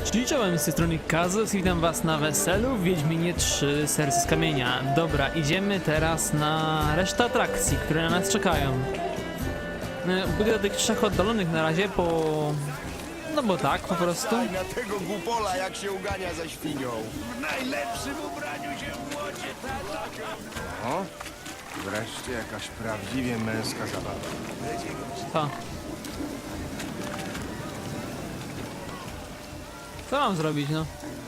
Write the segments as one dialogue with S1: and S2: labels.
S1: Czyli czołem, z tej strony Kazus, witam was na weselu w Wiedźminie 3 Serce z Kamienia. Dobra, idziemy teraz na resztę atrakcji, które na nas czekają. Będę do tych trzech oddalonych na razie, no bo tak, po prostu.
S2: Na tego głupola, jak się ugania za świnią.
S3: W najlepszym ubraniu się w łodzie, tak?
S2: O, wreszcie jakaś prawdziwie męska zabawa.
S1: Pa. Co mam zrobić, no?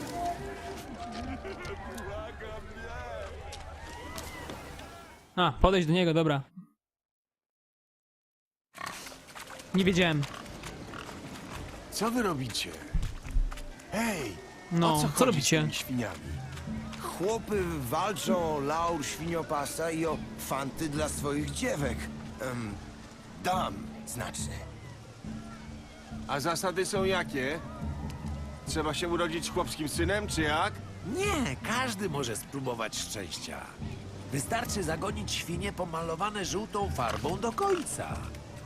S1: A, podejść do niego, dobra. Nie wiedziałem.
S2: Co wy robicie? Hej,
S1: No,
S2: o co
S1: co
S2: chodzi
S1: robicie?
S2: z tymi świniami? Chłopy walczą o laur świniopasa i o fanty dla swoich dziewek. Dam, znaczy.
S4: A zasady są jakie? Trzeba się urodzić chłopskim synem, czy jak?
S3: Nie, każdy może spróbować szczęścia. Wystarczy zagonić świnie pomalowane żółtą farbą do końca.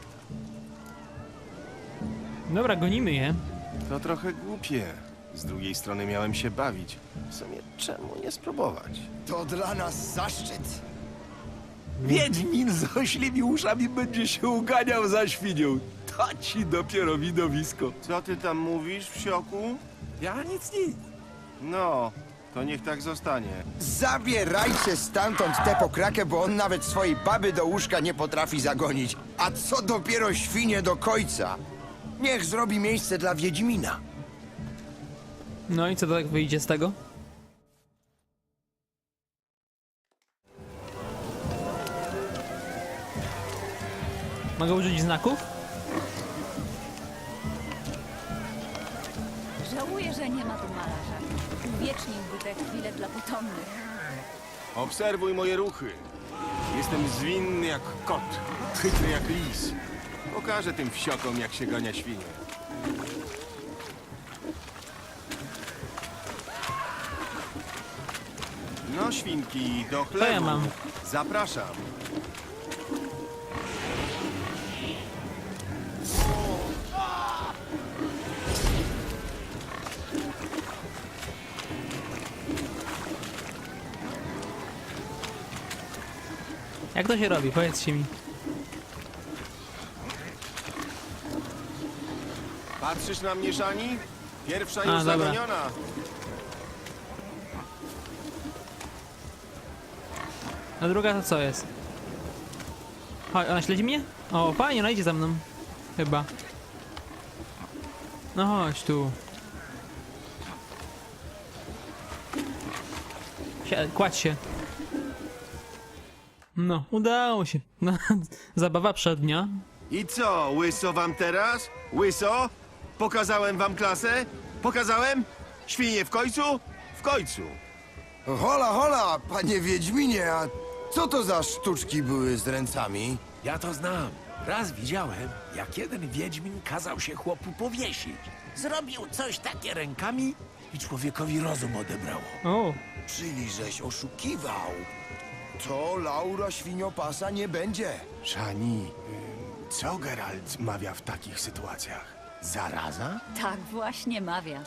S1: Dobra, gonimy je.
S4: To trochę głupie. Z drugiej strony miałem się bawić. W sumie czemu nie spróbować?
S2: To dla nas zaszczyt.
S3: Wiedźmin z oślimi uszami będzie się uganiał za świnią. To ci dopiero widowisko.
S4: Co ty tam mówisz, wsioku?
S3: Ja nic.
S4: No, to niech tak zostanie.
S2: Zabierajcie stamtąd tę pokrakę, bo on nawet swojej baby do łóżka nie potrafi zagonić. A co dopiero świnie do końca? Niech zrobi miejsce dla Wiedźmina.
S1: No i co to tak wyjdzie z tego? Mogę użyć znaków?
S5: Żałuję, że nie ma tu malarza. Uwieczniłby te chwile dla potomnych.
S4: Obserwuj moje ruchy. Jestem zwinny jak kot, chytry jak lis. Pokażę tym wsiokom, jak się gania świnie. No, świnki, do chlebu.
S1: ja mam?
S4: Zapraszam.
S1: Jak to się robi? Powiedzcie mi.
S4: Patrzysz na mnie, Szani? Pierwsza już
S1: dobra.
S4: zagoniona.
S1: A druga to co jest? Chodź, ona śledzi mnie? O, fajnie, ona idzie za mną. Chyba. No chodź tu. Kładź się. No, udało się. No, zabawa przednia.
S4: I co, łyso wam teraz? Łyso? Pokazałem wam klasę? Pokazałem? Świnie w końcu? W końcu.
S2: Hola, hola, panie Wiedźminie, a co to za sztuczki były z ręcami?
S3: Ja to znam. Raz widziałem, jak jeden wiedźmin kazał się chłopu powiesić. Zrobił coś takie rękami i człowiekowi rozum odebrało.
S1: O,
S2: Czyli żeś oszukiwał. To Laura świniopasa nie będzie.
S4: Szani, co Geralt mawia w takich sytuacjach? Zaraza?
S5: Tak właśnie mawia.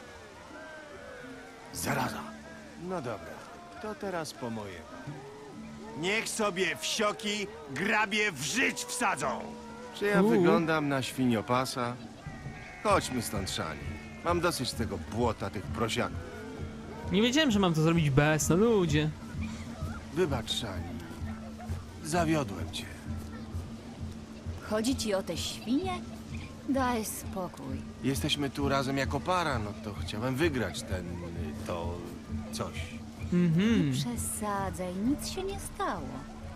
S4: Zaraza. No dobra, to teraz po moje. Niech sobie wsioki grabie w żyć wsadzą! Czy ja wyglądam na świniopasa? Chodźmy stąd, Szani. Mam dosyć tego błota, tych prosiaków.
S1: nie wiedziałem, że mam to zrobić bez, no ludzie.
S4: Wybacz, Szani. Zawiodłem cię.
S5: Chodzi ci o te świnie? Daj spokój.
S4: Jesteśmy tu razem jako para, no to chciałem wygrać to coś.
S1: Mhm.
S5: Przesadzaj, nic się nie stało.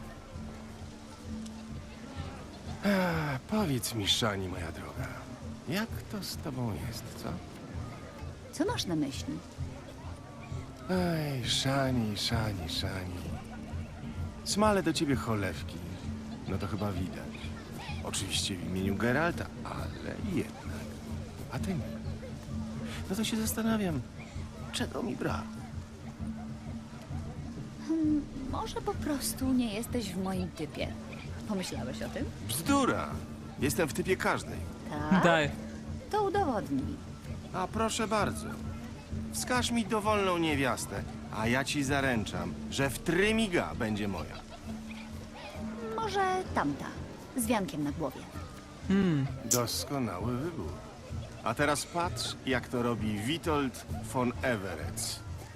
S4: Powiedz mi, Szani, moja droga, jak to z tobą jest, co?
S5: Co masz na myśli?
S4: Ej, Szani. Smale do ciebie cholewki. No to chyba widać. Oczywiście w imieniu Geralta, ale jednak. A ty nie. No to się zastanawiam, czego mi brak.
S5: Może po prostu nie jesteś w moim typie. Pomyślałeś o tym?
S4: Bzdura! Jestem w typie każdej.
S5: Tak?
S1: Daj.
S5: To udowodnij.
S4: A proszę bardzo. Wskaż mi dowolną niewiastę, a ja ci zaręczam, że w trymiga będzie moja.
S5: Może tamta, z wiankiem na głowie.
S4: Doskonały wybór. A teraz patrz, jak to robi Witold von Everec.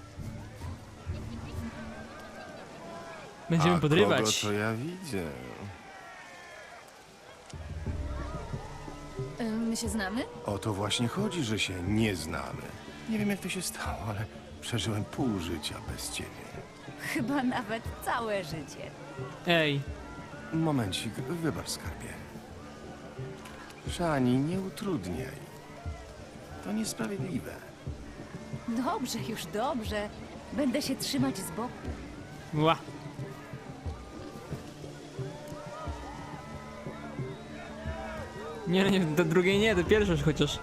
S1: Będziemy
S4: A
S1: podrywać.
S4: kogo to ja widzę?
S5: My się znamy?
S4: O to właśnie chodzi, że się nie znamy. Nie wiem, jak to się stało, ale przeżyłem pół życia bez ciebie.
S5: Chyba nawet całe życie.
S1: Ej,
S4: Momencik, wybacz, skarbie. Szani, nie utrudniaj. To niesprawiedliwe.
S5: Dobrze, już dobrze. Będę się trzymać z boku.
S1: ła. Nie, do drugiej nie, do pierwszej chociaż.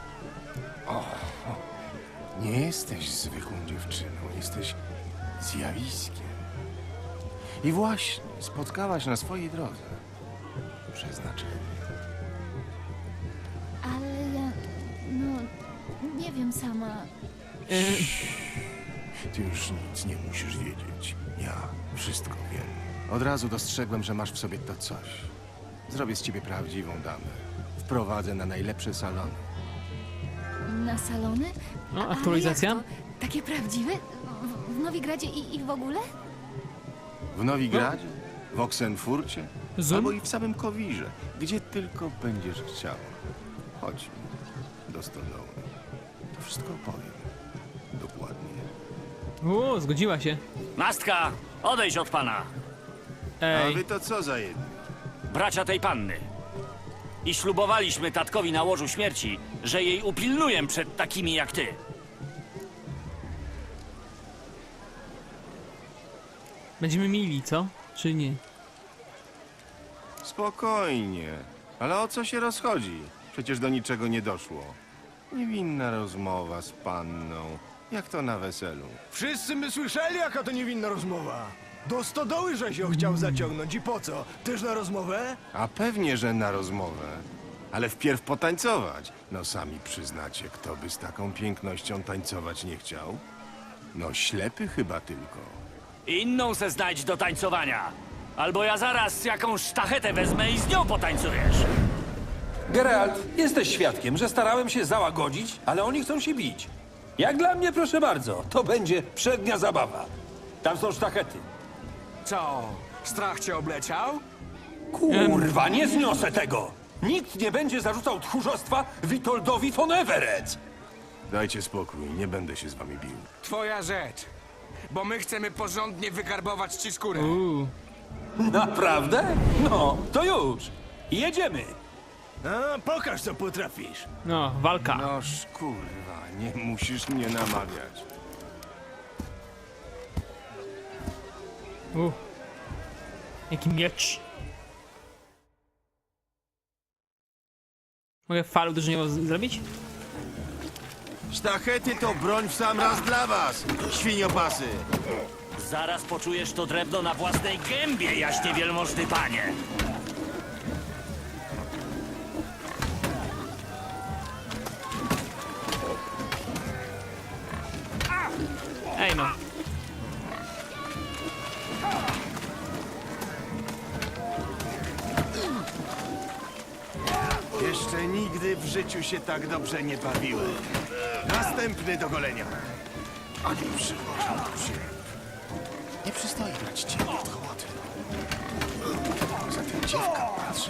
S4: Nie jesteś zwykłą dziewczyną, jesteś zjawiskiem. I właśnie spotkałaś na swojej drodze przeznaczenie.
S5: Ale ja... no... nie wiem sama.
S4: Ty już nic nie musisz wiedzieć. Ja wszystko wiem. Od razu dostrzegłem, że masz w sobie to coś. Zrobię z ciebie prawdziwą damę. Wprowadzę na najlepsze salony.
S5: Na salony?
S1: No, aktualizacja?
S5: Ale jak to? Takie prawdziwe? W Nowigradzie i w ogóle?
S4: W Nowigradzie, w Oksenfurcie,
S1: Zoom?
S4: albo i w samym Kowirze, gdzie tylko będziesz chciał. Chodź do stodoły. To wszystko opowiem. Dokładnie.
S1: Zgodziła się.
S6: Mastka, odejdź od pana,
S4: A
S1: Ej,
S4: wy to co za jedni?
S6: bracia tej panny. I ślubowaliśmy tatkowi na łożu śmierci, że jej upilnuję przed takimi jak ty.
S1: będziemy mili, co? Czy nie?
S4: Spokojnie. Ale o co się rozchodzi? Przecież do niczego nie doszło. Niewinna rozmowa z panną. Jak to na weselu?
S7: Wszyscy my słyszeli, jaka to niewinna rozmowa. Do stodoły, żeś ją chciał zaciągnąć i po co? Też na rozmowę?
S4: A pewnie, że na rozmowę. Ale wpierw potańcować. No sami przyznacie, kto by z taką pięknością tańcować nie chciał? No ślepy chyba tylko.
S6: Inną se znajdź do tańcowania. Albo ja zaraz jakąś sztachetę wezmę i z nią potańcujesz.
S8: Geralt, jesteś świadkiem, że starałem się załagodzić, ale oni chcą się bić. Jak dla mnie, proszę bardzo, to będzie przednia zabawa. Tam są sztachety.
S7: Co? Strach cię obleciał?
S8: Kurwa, nie zniosę tego! Nikt nie będzie zarzucał tchórzostwa Witoldowi von Everec!
S4: Dajcie spokój, nie będę się z wami bił.
S9: Twoja rzecz. Bo my chcemy porządnie wygarbować ci skórę.
S8: Naprawdę? No, to już! Jedziemy!
S7: A, pokaż, co potrafisz.
S1: No, walka.
S4: Noż kurwa, nie musisz mnie namawiać.
S1: Jaki miecz. Mogę falu uderzeniową zrobić?
S4: Sztachety to broń w sam raz dla was, świniopasy!
S6: Zaraz poczujesz to drewno na własnej gębie, jaśnie wielmożny panie.
S1: Ej no.
S4: Jeszcze nigdy w życiu się tak dobrze nie bawiłem. Następny do golenia. A nie przywożę się. Nie przystoi brać ciebie od hołoty. Za tym dziewka patrzy.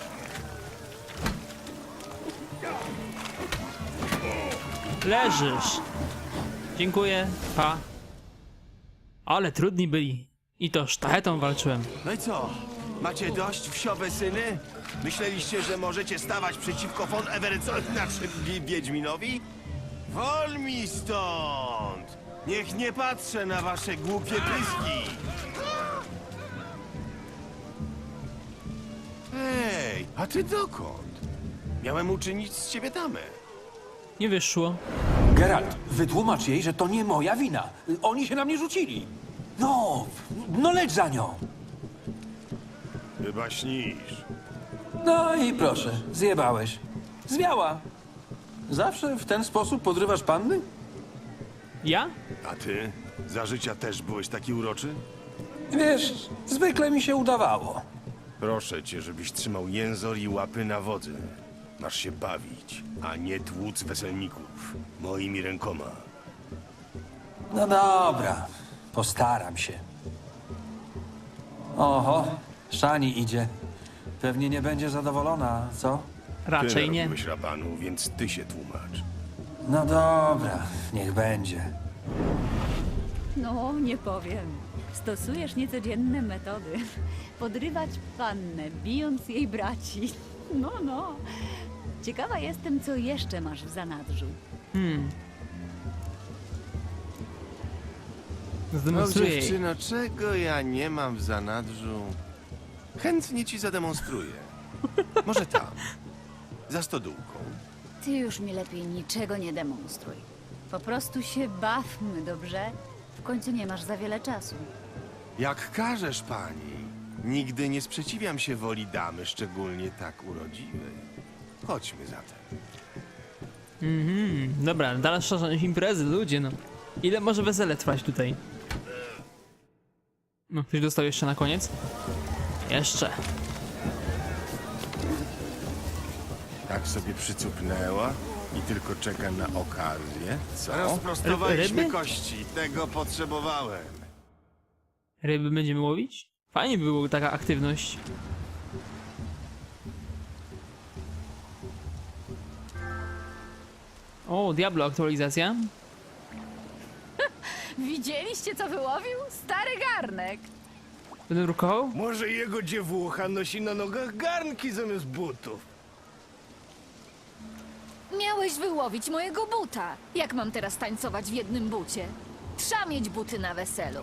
S1: Leżysz. Dziękuję, pa. Ale trudni byli. I to sztachetą walczyłem.
S4: No i co? Macie dość wsiowe syny? Myśleliście, że możecie stawać przeciwko von Everetsowi, znaczy Wiedźminowi? Wol mi stąd! Niech nie patrzę na wasze głupie pyski! Hej, a ty dokąd? Miałem uczynić z ciebie damę.
S1: Nie wyszło.
S8: Geralt, wytłumacz jej, że to nie moja wina. Oni się na mnie rzucili. No leć za nią.
S4: Chyba śnisz.
S8: No i proszę, zjebałeś. Zwiała. Zawsze w ten sposób podrywasz panny?
S1: Ja?
S4: A ty? Za życia też byłeś taki uroczy?
S8: Wiesz, zwykle mi się udawało.
S4: Proszę cię, żebyś trzymał jęzor i łapy na wodzy. Masz się bawić, a nie tłuc weselników. Moimi rękoma.
S8: No dobra, postaram się. Oho, Szani idzie. Pewnie nie będzie zadowolona, co?
S4: Ty
S1: Raczej nie.
S4: narobiłeś rabanu, więc ty się tłumacz.
S8: No dobra, niech będzie.
S5: No, nie powiem. Stosujesz niecodzienne metody. Podrywać pannę, bijąc jej braci. No, no. Ciekawa jestem, co jeszcze masz w zanadrzu.
S1: Zdemonstruję jej.
S4: dziewczyno, czego ja nie mam w zanadrzu? Chętnie ci zademonstruję. Może tam, za stodółką.
S5: Ty już mi lepiej niczego nie demonstruj. Po prostu się bawmy, dobrze? W końcu nie masz za wiele czasu.
S4: Jak każesz, pani. Nigdy nie sprzeciwiam się woli damy, szczególnie tak urodziwej. Chodźmy zatem.
S1: Dobra, dalsza imprezy, ludzie, no. Ile może wesele trwać tutaj? No, ktoś dostał jeszcze na koniec? Jeszcze.
S4: Tak sobie przycupnęła i tylko czeka na okazję. Co?
S1: Ryby?
S4: Rozprostowaliśmy kości. Tego potrzebowałem.
S1: Ryby będziemy łowić? Fajnie by była taka aktywność. O, Diablo aktualizacja.
S5: Widzieliście, co wyłowił? Stary garnek.
S1: Będę drukował?
S7: Może jego dziewucha nosi na nogach garnki zamiast butów.
S10: Miałeś wyłowić mojego buta. Jak mam teraz tańcować w jednym bucie? Trzeba mieć buty na weselu.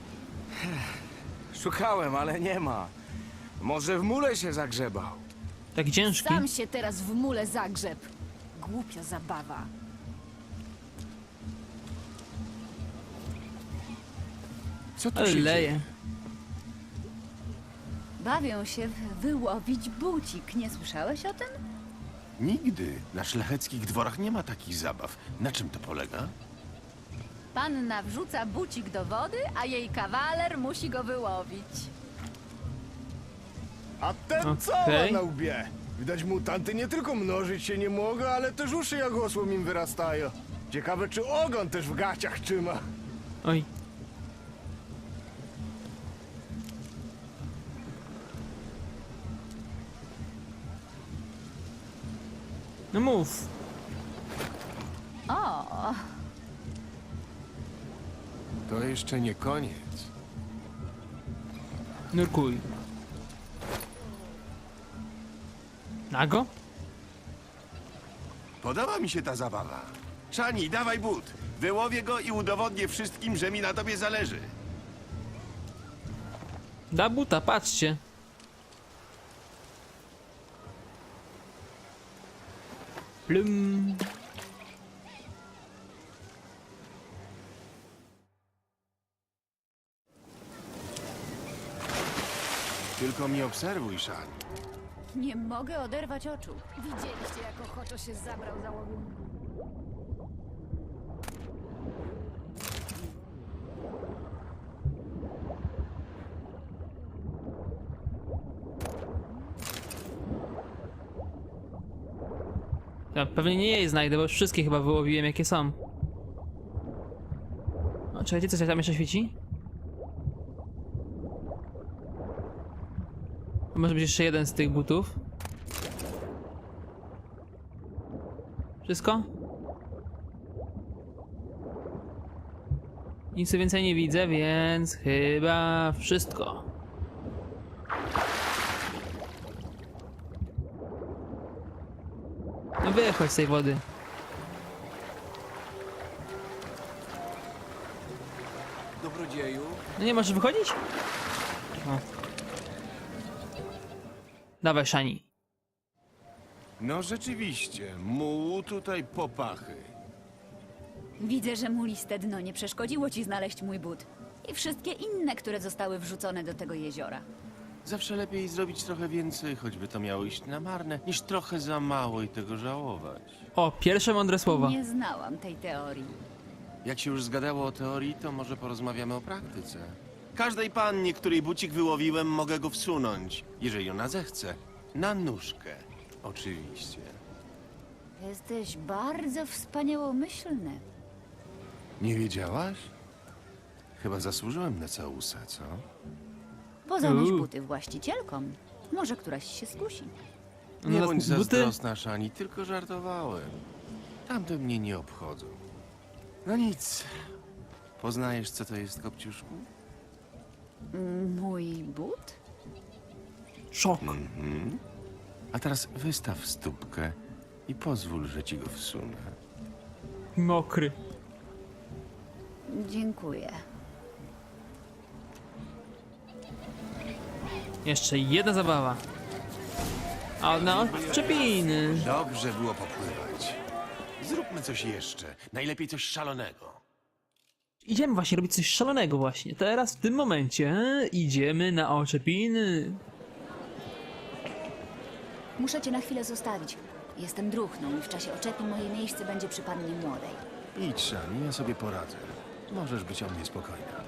S9: Szukałem, ale nie ma. Może w mule się zagrzebał.
S1: Tak ciężki.
S10: Sam się teraz w mule zagrzeb. Głupia zabawa.
S4: Co tu
S1: Ale
S4: się dzieje?
S1: leje.
S5: Bawią się w wyłowić bucik. Nie słyszałeś o tym?
S4: Nigdy. Na szlacheckich dworach nie ma takich zabaw. Na czym to polega?
S5: Panna wrzuca bucik do wody, a jej kawaler musi go wyłowić.
S7: A ten co ma
S1: Okej.
S7: na łbie? Widać, mutanty nie tylko mnożyć się nie mogą, ale też uszy jak osłom im wyrastają. Ciekawe, czy ogon też w gaciach trzyma.
S1: Oj. No mów.
S5: O,
S4: To jeszcze nie koniec.
S1: Nurkuj. Nago?
S4: Podoba mi się ta zabawa. Szani, dawaj but. Wyłowię go i udowodnię wszystkim, że mi na tobie zależy.
S1: Da buta, patrzcie. Plum.
S4: Tylko mnie obserwuj, Szani.
S5: nie mogę oderwać oczu.
S10: Widzieliście, jak ochoczo się zabrał za łowienkę?
S1: Ja pewnie nie jej znajdę, bo już wszystkie chyba wyłowiłem, jakie są. O, czekajcie, coś tam jeszcze świeci? To może być jeszcze jeden z tych butów. Wszystko? Nic więcej nie widzę, więc chyba wszystko. No wychodź z tej wody.
S9: Dobrodzieju.
S1: No nie możesz wychodzić? O. Dawaj, Szani.
S4: No rzeczywiście, mułu tutaj popachy.
S5: Widzę, że mu liste dno nie przeszkodziło ci znaleźć mój but. I wszystkie inne, które zostały wrzucone do tego jeziora.
S4: Zawsze lepiej zrobić trochę więcej, choćby to miało iść na marne, niż trochę za mało i tego żałować.
S1: O, pierwsze mądre słowa.
S5: Nie znałam tej teorii.
S4: Jak się już zgadało o teorii, to może porozmawiamy o praktyce. Każdej pannie, której bucik wyłowiłem, mogę go wsunąć, jeżeli ona zechce. Na nóżkę, oczywiście.
S5: Jesteś bardzo wspaniałomyślny.
S4: Nie wiedziałaś? Chyba zasłużyłem na całusa, co?
S5: Bo zanoś buty właścicielkom. Może któraś się skusi.
S4: Nie
S1: No,
S4: bądź
S1: buty?
S4: zazdrosna, Szani, tylko żartowałem. Tamte mnie nie obchodzą. No nic. Poznajesz, co to jest, Kopciuszku?
S5: Mój but?
S1: Szok.
S4: A teraz wystaw stópkę i pozwól, że ci go wsunę.
S1: Mokry.
S5: Dziękuję.
S1: Jeszcze jedna zabawa. A na odczepiny.
S4: Dobrze było popływać. Zróbmy coś jeszcze. Najlepiej coś szalonego.
S1: Idziemy właśnie robić coś szalonego właśnie. Teraz w tym momencie idziemy na oczepiny.
S5: Muszę cię na chwilę zostawić. Jestem druchną i w czasie oczepin moje miejsce będzie przy pannie młodej.
S4: Idź, Szani, ja sobie poradzę. Możesz być o mnie spokojna.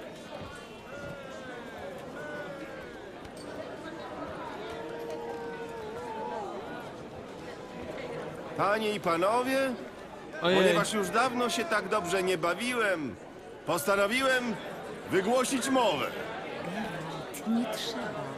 S4: Panie i panowie,
S1: Ojej.
S4: ponieważ już dawno się tak dobrze nie bawiłem, postanowiłem wygłosić mowę.
S5: Nie trzeba.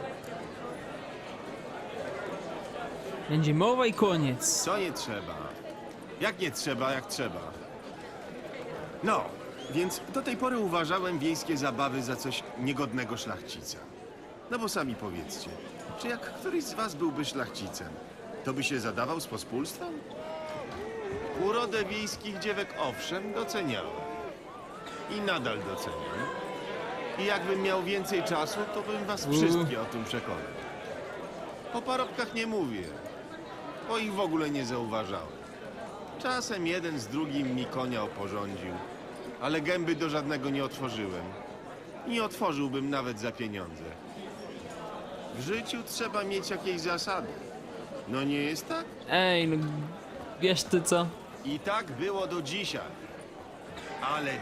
S1: Będzie mowa i koniec.
S4: Co nie trzeba? Jak nie trzeba, jak trzeba? No, więc do tej pory uważałem wiejskie zabawy za coś niegodnego szlachcica. No bo sami powiedzcie, czy jak któryś z was byłby szlachcicem, to by się zadawał z pospólstwem? Urodę wiejskich dziewek owszem doceniałem. I nadal doceniam. I jakbym miał więcej czasu, to bym was wszystkie o tym przekonał. O parobkach nie mówię, bo ich w ogóle nie zauważałem. Czasem jeden z drugim mi konia oporządził, ale gęby do żadnego nie otworzyłem. Nie otworzyłbym nawet za pieniądze. W życiu trzeba mieć jakieś zasady. No nie jest tak?
S1: Ej, no wiesz ty co?
S4: I tak było do dzisiaj. Ale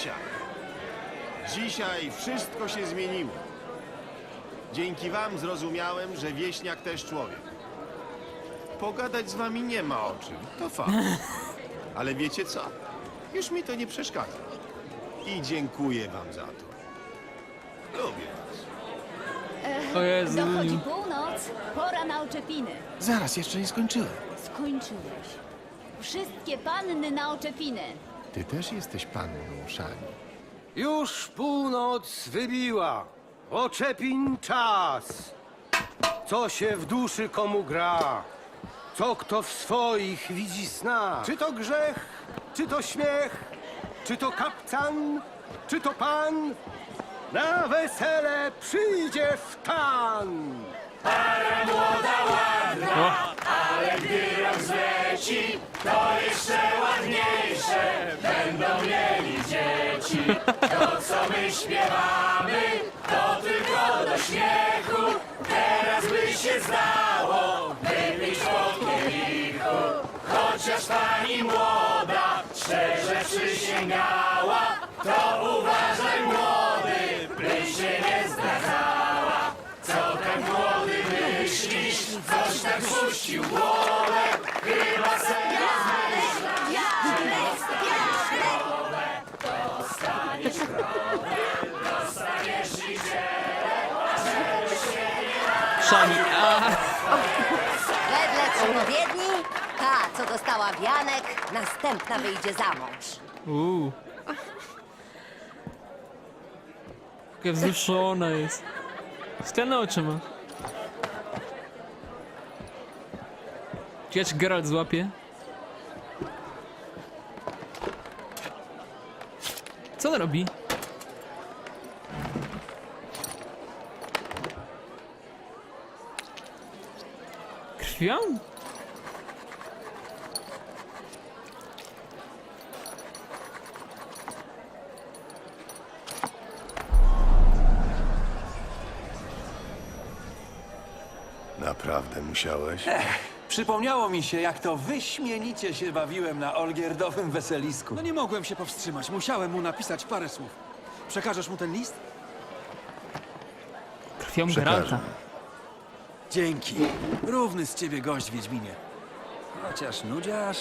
S4: dzisiaj wszystko się zmieniło. Dzięki wam zrozumiałem, że wieśniak też człowiek. Pogadać z wami nie ma o czym, to fakt. Ale wiecie co? Już mi to nie przeszkadza. I dziękuję wam za to. Lubię was.
S1: O Jezu.
S5: Dochodzi północ, pora na oczepiny.
S4: Zaraz, jeszcze nie skończyłem.
S5: Skończyłeś. Wszystkie panny na oczepiny.
S4: Ty też jesteś panną, Szani.
S11: Już północ wybiła. Oczepin czas. Co się w duszy komu gra? Co kto w swoich widzi sna? Czy to grzech, czy to śmiech, czy to kapcan, czy to pan? Na wesele przyjdzie wtan.
S1: Szani, a
S12: Wedle przepowiedni, ta, co dostała wianek, następna wyjdzie za mąż.
S1: Jakie wzruszona jest. Skalne oczy ma. Ciekawe, czy Geralt złapie? Co on robi? Krwią?
S4: Naprawdę musiałeś?
S8: Przypomniało mi się, jak to wyśmienicie się bawiłem na Olgierdowym weselisku.
S13: No nie mogłem się powstrzymać. Musiałem mu napisać parę słów. Przekażesz mu ten list?
S1: Krwią Geralta.
S13: Dzięki. Równy z ciebie gość, Wiedźminie. Chociaż nudziarz.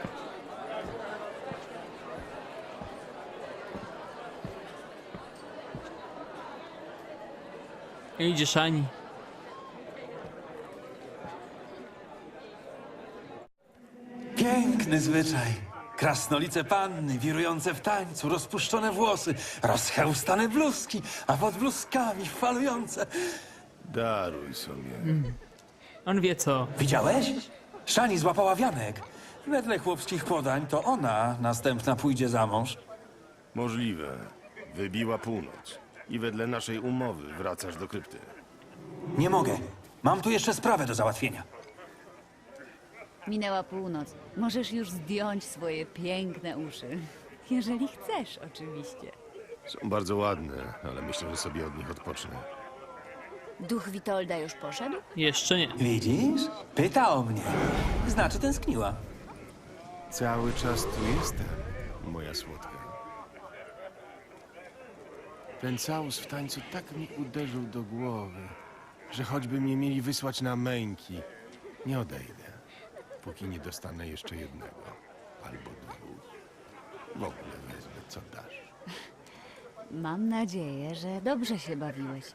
S1: Idzie Szani.
S8: Piękny zwyczaj. Krasnolice panny, wirujące w tańcu, rozpuszczone włosy, rozchełstane bluzki, a pod bluzkami falujące.
S4: Daruj sobie.
S1: On wie co.
S8: Widziałeś? Szani złapała wianek. Wedle chłopskich podań to ona następna pójdzie za mąż.
S4: Możliwe. Wybiła północ. I wedle naszej umowy wracasz do krypty.
S8: Nie mogę. Mam tu jeszcze sprawę do załatwienia.
S5: Minęła północ. Możesz już zdjąć swoje piękne uszy. Jeżeli chcesz, oczywiście.
S4: Są bardzo ładne, ale myślę, że sobie od nich odpocznę.
S5: Duch Witolda już poszedł?
S1: Jeszcze nie.
S8: Widzisz? Pyta o mnie. Znaczy tęskniła.
S4: Cały czas tu jestem, moja słodka. Ten całus w tańcu tak mi uderzył do głowy, że choćby mnie mieli wysłać na męki, nie odejdę, póki nie dostanę jeszcze jednego albo dwóch. W ogóle wezmę, co dasz.
S5: Mam nadzieję, że dobrze się bawiłeś.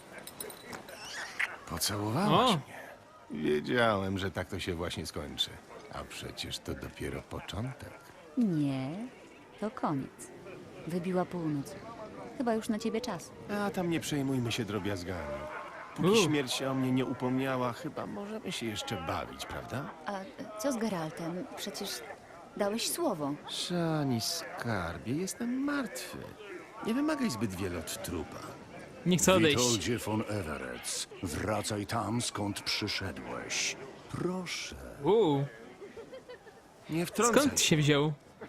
S4: Pocałowałaś
S1: O.
S4: mnie. Wiedziałem, że tak to się właśnie skończy. A przecież to dopiero początek.
S5: Nie, to koniec. Wybiła północ. Chyba już na ciebie czas.
S4: A tam nie przejmujmy się drobiazgami. Póki śmierć się o mnie nie upomniała, chyba możemy się jeszcze bawić, prawda?
S5: A co z Geraltem? Przecież dałeś słowo.
S4: Szani, skarbie, jestem martwy. Nie wymagaj zbyt wiele od trupa.
S1: Nie chcę odejść.
S14: Witoldzie von Everec, wracaj tam, skąd przyszedłeś. Proszę.
S4: Nie wtrącaj.
S1: Skąd się wziął?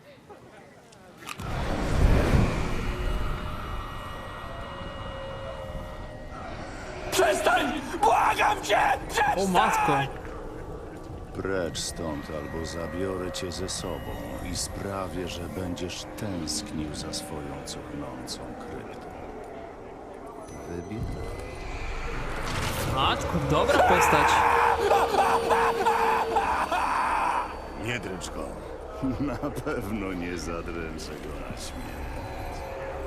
S8: Przestań! Błagam cię! Przestań!
S1: O matko.
S14: Precz stąd, albo zabiorę cię ze sobą i sprawię, że będziesz tęsknił za swoją cuchnącą kryptą. Wybierz.
S1: Matko, dobra postać.
S14: Nie dręcz go. Na pewno nie zadręczę go na śmierć.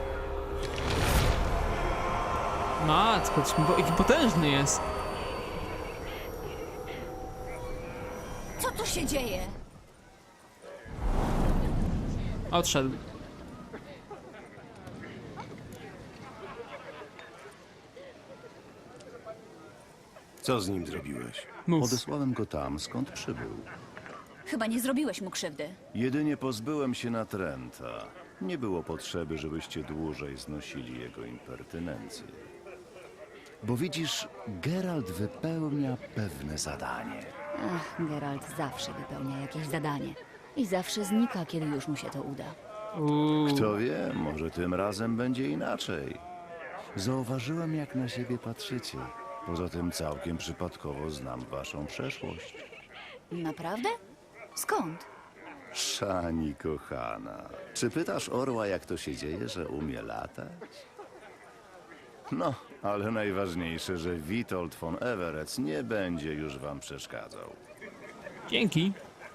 S1: Matko, jaki potężny jest.
S10: Co tu się dzieje?
S1: Odszedł.
S4: Co z nim zrobiłeś?
S1: Mów.
S14: Odesłałem go tam, skąd przybył.
S5: Chyba nie zrobiłeś mu krzywdy.
S14: Jedynie pozbyłem się natręta. Nie było potrzeby, żebyście dłużej znosili jego impertynencję. Bo widzisz, Geralt wypełnia pewne zadanie.
S5: Ach, Geralt zawsze wypełnia jakieś zadanie. I zawsze znika, kiedy już mu się to uda.
S14: Kto wie, może tym razem będzie inaczej. Zauważyłem, jak na siebie patrzycie. Poza tym całkiem przypadkowo znam waszą przeszłość.
S5: Naprawdę? Skąd?
S14: Szani kochana, czy pytasz orła, jak to się dzieje, że umie latać? No, ale najważniejsze, że Witold von Everec nie będzie już wam przeszkadzał.
S1: Dzięki.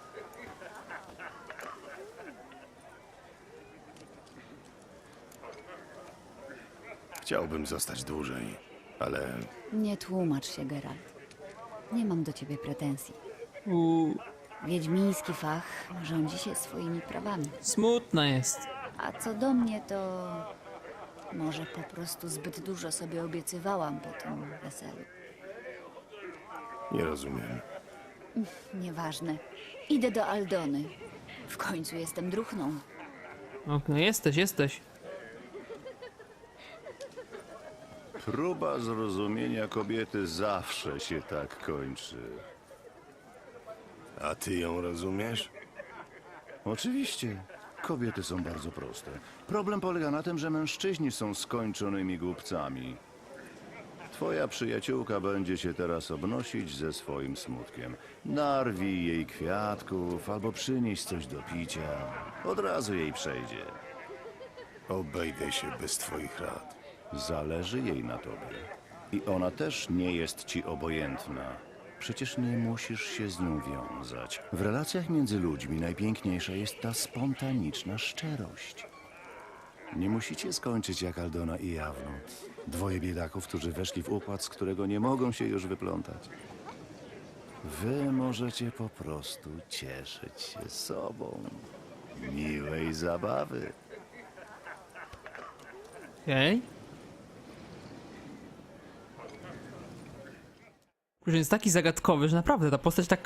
S4: Chciałbym zostać dłużej, ale
S5: Nie tłumacz się, Geralt. Nie mam do ciebie pretensji. Wiedźmiński fach rządzi się swoimi prawami.
S1: Smutna jest.
S5: A co do mnie, to może po prostu zbyt dużo sobie obiecywałam po tym weselu.
S4: nie rozumiem.
S5: Nieważne. Idę do Aldony. W końcu jestem druchną.
S1: Okej, jesteś.
S14: Próba zrozumienia kobiety zawsze się tak kończy.
S4: A ty ją rozumiesz?
S14: Oczywiście. Kobiety są bardzo proste. Problem polega na tym, że mężczyźni są skończonymi głupcami. Twoja przyjaciółka będzie się teraz obnosić ze swoim smutkiem. Narwij jej kwiatków albo przynieś coś do picia. Od razu jej przejdzie.
S7: Obejdę się bez twoich rad.
S14: Zależy jej na tobie. I ona też nie jest ci obojętna. Przecież nie musisz się z nią wiązać. W relacjach między ludźmi najpiękniejsza jest ta spontaniczna szczerość. Nie musicie skończyć jak Aldona i Jawno. Dwoje biedaków, którzy weszli w układ, z którego nie mogą się już wyplątać. Wy możecie po prostu cieszyć się sobą. Miłej zabawy.
S1: Okej. Kurczę, jest taki zagadkowy, że naprawdę ta postać tak...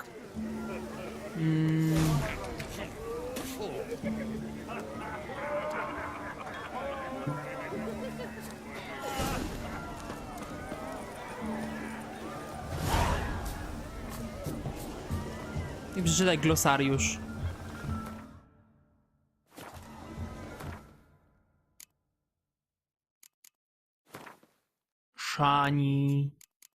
S1: I przeczytaj glosariusz. Szani.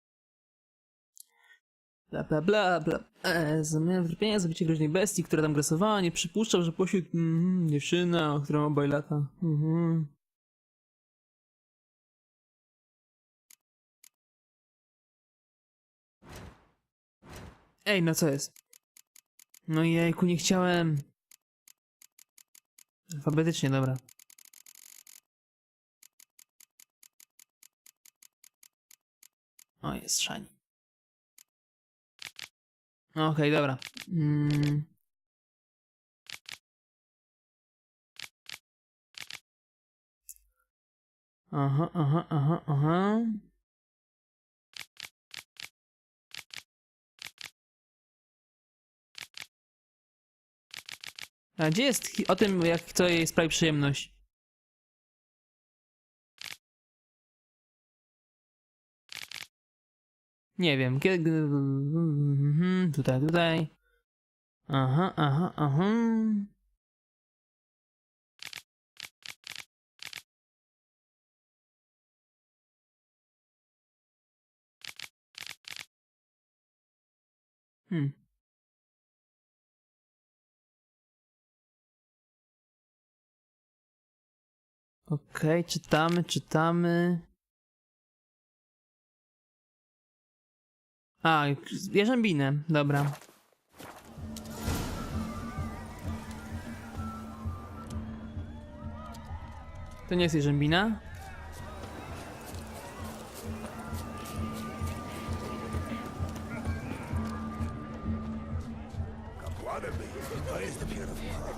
S1: Bla bla bla bla. Zamiast wyrpienia zabicie groźnej bestii, która tam grasowała, nie przypuszczał, że posiłk... dziewczyna, o którą obaj lata. Ej, no co jest? No jejku, nie chciałem. Alfabetycznie, dobra. O, jest Szani. Okej, dobra. Aha. A gdzie jest o tym, jak to jej sprawi przyjemność? Nie wiem, kiedy... Tutaj. Aha. Okej, czytamy. A, jarzębinę, dobra. To nie jest jarzębina?
S7: To jest dopiero...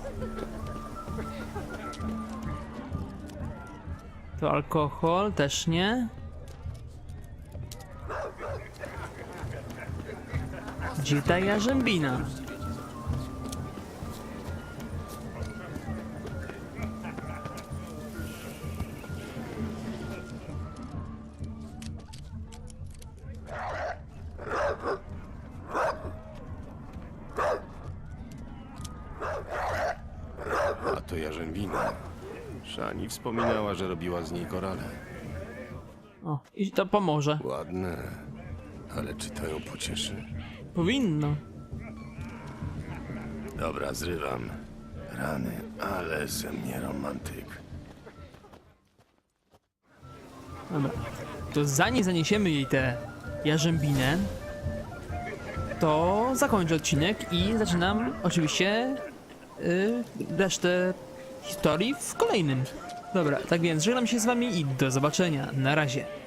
S1: To alkohol, też nie. Gdzie ta jarzębina?
S4: A to jarzębina. Szani wspominała, że robiła z niej korale.
S1: O, i to pomoże.
S4: Ładne, ale czy to ją pocieszy?
S1: Powinno.
S4: Dobra, zrywam. Rany, ale ze mnie romantyk.
S1: Dobra. To zanim zaniesiemy jej tę jarzębinę, to zakończę odcinek i zaczynam oczywiście resztę historii w kolejnym. Dobra, tak więc żegnam się z wami i do zobaczenia. Na razie.